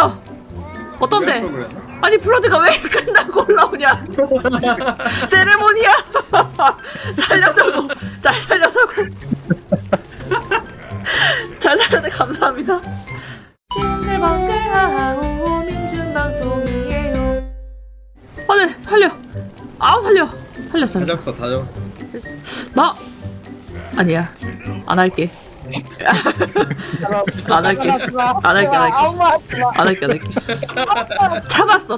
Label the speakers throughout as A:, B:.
A: 됐어. 어떤데? 아니 블러드가 왜 끝나고 올라오냐? 세레모니야. 살려다고. 잘 살려다고. 잘 살려다 감사합니다. 싱글벙글하고 민준방송이에요. 네 살려. 아우 살려. 살렸어.
B: 다 잡았어 다 잡았어.
A: 나 아니야. 안 할게. 안 할게. 안 할게. 안 할게. 참았어.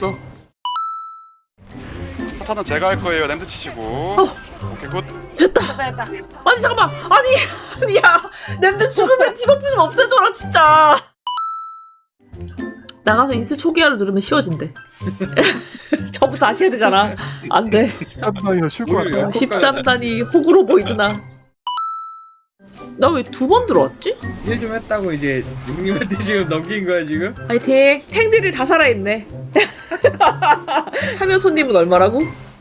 C: 차는 제가 할 거예요. 랜드 치시고. 오케이 굿.
A: 됐다. 아니 잠깐만. 아니야. 냄새 죽으면 디버프 좀 없애줘라 진짜. 나가서 인스 초기화를 누르면 쉬워진대. 저부터 다시 해야 되잖아. 안 돼.
D: 13단에서 쉴 것 같아.
A: 13단이 호구로보이드나. 나 왜 두 번 들어왔지?
B: 일 좀 했다고 이제 육님한테 지금 넘긴 거야 지금?
A: 파이팅! 탱들이 다 살아있네. 참여 손님은 얼마라고?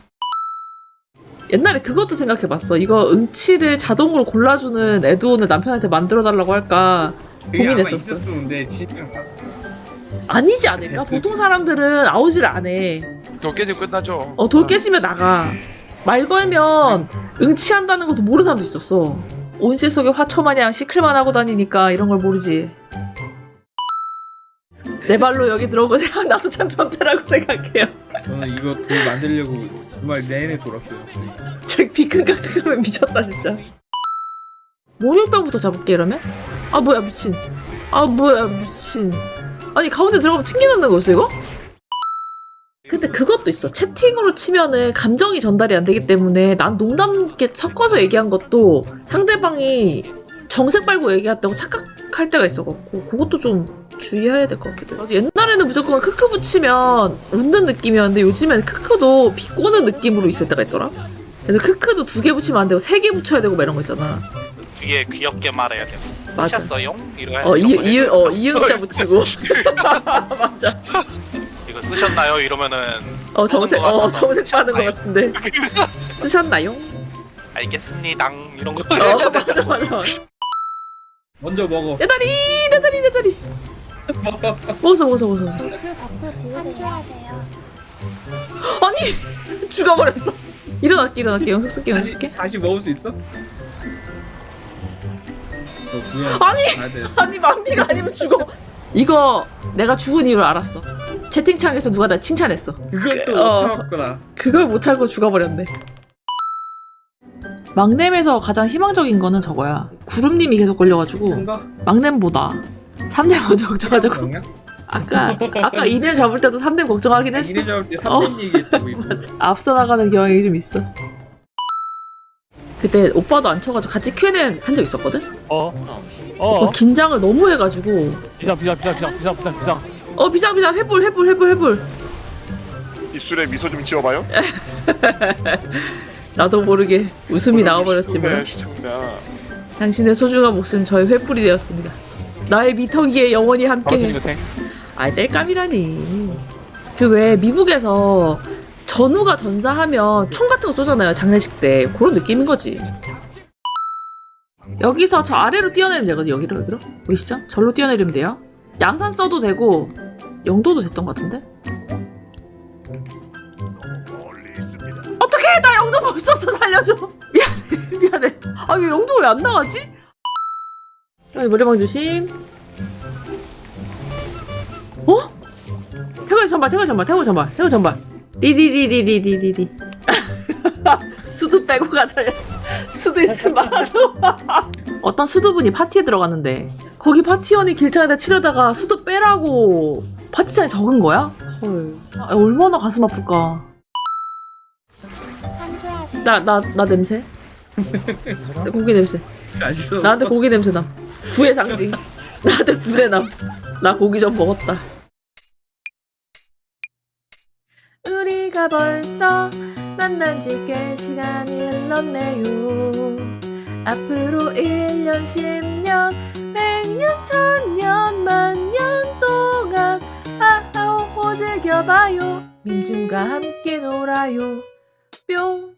A: 옛날에 그것도 생각해봤어. 이거 응치를 자동으로 골라주는 에드온을 남편한테 만들어달라고 할까 고민했었어.
B: 있었는데 진짜 봤어.
A: 아니지 않을까? 보통 사람들은 아웃을 안 해.
C: 더 깨지고 끝나죠.
A: 돌 깨지면 나가. 말 걸면 응치한다는 것도 모르는 사람도 있었어. 온실 속에 화초마냥 시클만 하고 다니니까 이런 걸 모르지. 내 발로 여기 들어오고 생각나서 참 변태라고 생각해요.
B: 저는 이거 돌 만들려고 정말 내내 돌았어요.
A: 저 비큰각하면 미쳤다 진짜. 목욕병부터 잡을게 이러면? 아 뭐야 미친. 아니 가운데 들어가면 튕겨놓는 거였어 이거? 근데 그것도 있어. 채팅으로 치면은 감정이 전달이 안 되기 때문에 난 농담 있게 섞어서 얘기한 것도 상대방이 정색 빨고 얘기했다고 착각할 때가 있어갖고 그것도 좀 주의해야 될 것 같기도 해. 옛날에는 무조건 크크 붙이면 웃는 느낌이었는데 요즘엔 크크도 비꼬는 느낌으로 있을 때가 있더라. 그래서 크크도 2개 붙이면 안 되고 3개 붙여야 되고 막 이런 거 있잖아.
E: 뒤에 귀엽게 말해야 돼.
A: 맞아.
E: 하셨어요?
A: 이응자 붙이고. 맞아.
E: 이거 쓰셨나요? 이러면은
A: 정색 받은 것 같은데. 쓰셨나요?
E: 알겠습니다. 이런 거.
A: 맞아.
B: 먼저 먹어.
A: 내 다리. 먹었어.
F: 보스 버프 지우세요.
A: 아니 죽어버렸어. 일어날게. 영석 쓸게.
B: 다시 먹을 수 있어?
A: 아니 만비가 아니면 죽어. 이거 내가 죽은 이유를 알았어. 채팅창에서 누가 나 칭찬했어.
B: 그것도 못 참았구나.
A: 그걸 못 참고 죽어버렸네. 막냄에서 가장 희망적인 거는 저거야. 구름님이 계속 걸려가지고
B: 뭔가?
A: 막냄보다 3렘 먼저 걱정하자고. 아까 이렘 잡을 때도 3렘 걱정하긴 했어.
B: 이래 잡을 때 3렘 얘기했다고 이거.
A: 앞서 나가는 경향이 좀 있어. 그때 오빠도 안 쳐가지고 같이 Q&A 한 적 있었거든? 긴장을 너무 해가지고
G: 비상
A: 비상 회불
C: 입술에 미소 좀 지어봐요.
A: 나도 모르게 웃음이 나와버렸지만
C: 시청자.
A: 당신의 소중한 목숨 저의 횃불이 되었습니다. 나의 미터기에 영원히 함께해. 아이 뗄감이라니. 그 왜 미국에서 전우가 전사하면 총 같은 거 쏘잖아요 장례식 때. 그런 느낌인 거지. 여기서 저 아래로 뛰어내리면 되거든. 여기로 보이시죠? 절로 뛰어내리면 돼요. 양산 써도 되고 영도도 됐던 것 같은데? 어떡해! 나 영도 못 썼어. 살려줘. 미안해. 아 이거 영도 왜 안 나가지? 머리망 조심. 태국의 전발. 리리리리리리리. 수두 빼고 가자. 수두 있으면 말로. 어떤 수두분이 파티에 들어갔는데 거기 파티원이 길창에다 치려다가 수두 빼라고 파티장에 적은 거야? 헐. 얼마나 가슴 아플까. 나 냄새. 고기 냄새. 나한테 고기 냄새 나. 부의 상징. 나한테 불의 남. 나 고기 좀 먹었다. 우리가 벌써 만난 지 꽤 시간이 흘렀네요. 앞으로 1년, 10년, 100년, 1000년, 만년 동안 아하오호 즐겨봐요. 민준과 함께 놀아요. 뿅.